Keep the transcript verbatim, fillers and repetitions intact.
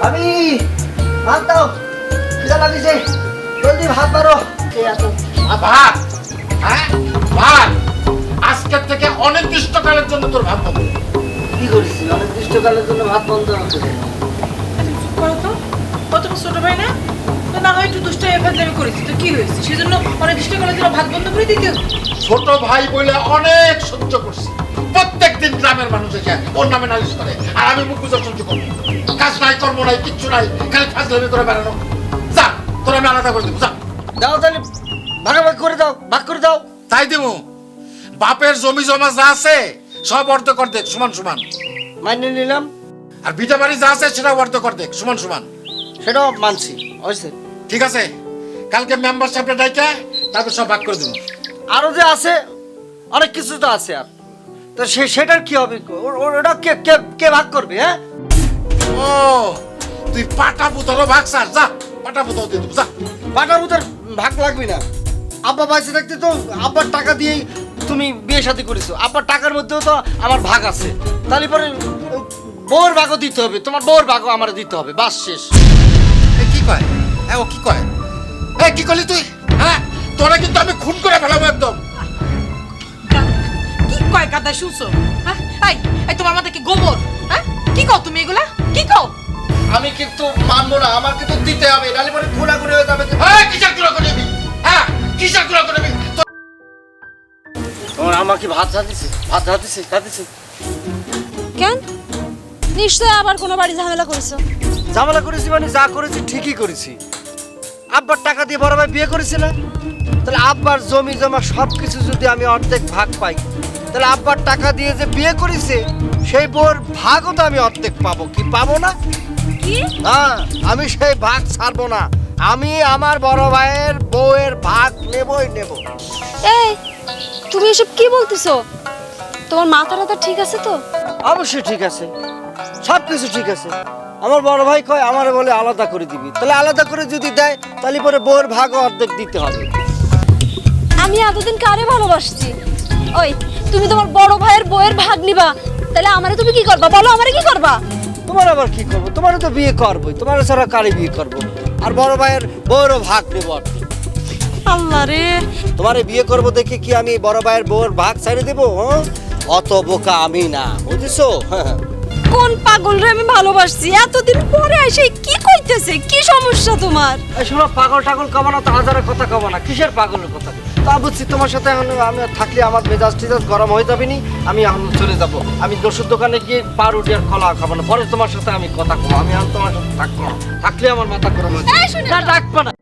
আমি ভাত দাও, খিদা লাগিছে, জলদি ভাত মারো। আ, ভাত হ্যাঁ ভাত আজকের থেকে অনির্দিষ্টকালের জন্য তোর ভাত বন্ধ। কি করিস অনির্দিষ্টকালের জন্য ভাত বন্ধ হচ্ছে? করো তো, কত ছোট ভাই না? তো না হয় একটু দুষ্ট এফাজলামি করেছি, তো কি হয়েছে? সেজন্য অনির্দিষ্টকালের জন্য ভাত বন্ধ করে দিতে হবে? ছোট ভাই বলে অনেক সহ্য করছি, প্রত্যেকদিন গ্রামের মানুষ এসে ওর নামে নালিশ করে, আর আমি মুখ বুঝে সহ্য করবো? কাজ নাই, কর্ম নাই, কিচ্ছু নাই, খালি ফাজলামি করে বেড়ানো। যা, তোর আমি আলাদা করে দেবো, যা। দাও তাহলে ভাগাভাগ করে দাও, ভাগ করে দাও। তাই দেবো। বাপের জমি জমা যা আছে সব অর্ধেক অর্ধেক সমান সমান, মাইনে নিলাম, আর ভিটা বাড়ি যা আছে সেটা অর্ধেক অর্ধেক সমান সমান। সেটাও মানছি, হয়েছে। ঠিক আছে, কালকে মেম্বার সাহেবটা ডাইকা তারপর সব ভাগ করে দেবো। আরো যে আছে অনেক কিছু তো আছে, আর তো সে সেটার কি হবে? ও- ও- ওটা কে কে কে ভাগ করবে? হ্যাঁ, ও তুই পাটা পুতারও ভাগ স্যার, যা পাটা পুতাও দিয়ে দেবো, যা। বাটার উতার ভাগ লাগবে না। আব্বা বাইসে থাকতে তো আব্বার টাকা দিয়েই তুমি বিয়ে শাদী করেছো, আব্বার টাকার মধ্যেও তো আমার ভাগ আছে। তাহলে পরে ওই বউর ভাগও দিতে হবে, তোমার বউর ভাগও আমার দিতে হবে, বাস শেষ। এ কি কয়? হ্যাঁ ও কি কয়? এ কি করলি তুই? হ্যাঁ তোরা কিন্তু আমি খুন করে ফেলাবো একদম। কি কয় কাদা শুনছো? হ্যাঁ, এই এই তোমার মাথা কি গোবর? হ্যাঁ, কি কও তুমি এগুলা? কি কও? আমি কিন্তু মানবো না, আমার কিন্তু দিতে হবে, নাহলে পরে খুনাখুনি হয়ে যাবে। হ্যাঁ কিসের গুলো করে নিবি? হ্যাঁ কিসের গুলো করে নিবি? তোর- তোমার আমাকে ভাত দিছে, ভাত দিছে, দিছে। কেন? নিশ্চয় আবার কোনো বাড়ি ঝামেলা করেছো। ঝামেলা করেছি মানে যা করেছি ঠিকই করেছি। আব্বার টাকা দিয়ে বড় ভাই বিয়ে করেছে না, তাহলে আব্বার জমি জমা সব কিছু যদি আমি অর্ধেক ভাগ পাই, তাহলে আব্বার টাকা দিয়ে যে বিয়ে করেছে সেই বউর ভাগও তো আমি অর্ধেক পাবো, কি পাবো না? কি? হ্যাঁ, আমি সেই ভাগ ছাড়বো না, আমি আমার বড় ভাইয়ের বউয়ের ভাগ নেবই নেব। এই, তুমি এসব কি বলতেছো? তোমার মাথা টাথা ঠিক আছে তো? অবশ্যই ঠিক আছে, সব কিছু ঠিক আছে। আমার বড় ভাই কয় আমারে বলে আলাদা করে দিবি, তাহলে আলাদা করে যদি দেয় তাহলে পরে বউয়ের ভাগও অর্ধেক দিতে হবে। আমি এতদিন কারে ভালোবাসছি? ওই, তুমি তোমার বড় ভাইয়ের বউয়ের ভাগ নিবা, তাহলে আমারে তুমি কি করবা? বলো, আমারে কি করবা? তোমার আবার কি করবো? তোমারও তো বিয়ে করবোই, তোমার ছাড়া কারে বিয়ে করবো? আর বড় ভাইয়ের বউয়েরও ভাগ নেবো অর্ধেক। আল্লাহ রে, তোমারে বিয়ে করবো দেখে কি আমি বড় ভাইয়ের বউয়ের ভাগ ছেড়ে দেবো? হ্যাঁ, অত বোকা আমি না, বুঝেছো? কোন পাগল রে আমি ভালোবাসছি, এতদিন পরে এসে কি কইতেছে? কি সমস্যা তোমার? এই শোনো, পাগল টাগল কবা না তো, হাজারের কথা কবা না। কিসের পাগলের কথা? তা বুঝছি, তোমার সাথে এখন আমি থাকলে আমার মেজাজ টেজাজ গরম হয়ে যাবে নি, আমি এখন চলে যাব। আমি দোষের দোকানে গিয়ে পাউরুটি আর কলা খাবো না, পরে তোমার সাথে আমি কথা কম। আমি এখন তোমার সাথে থাকবো না, থাকলে আমার মাথা গরম হয়ে এই যাবে। শুনে না, ডাকবা না।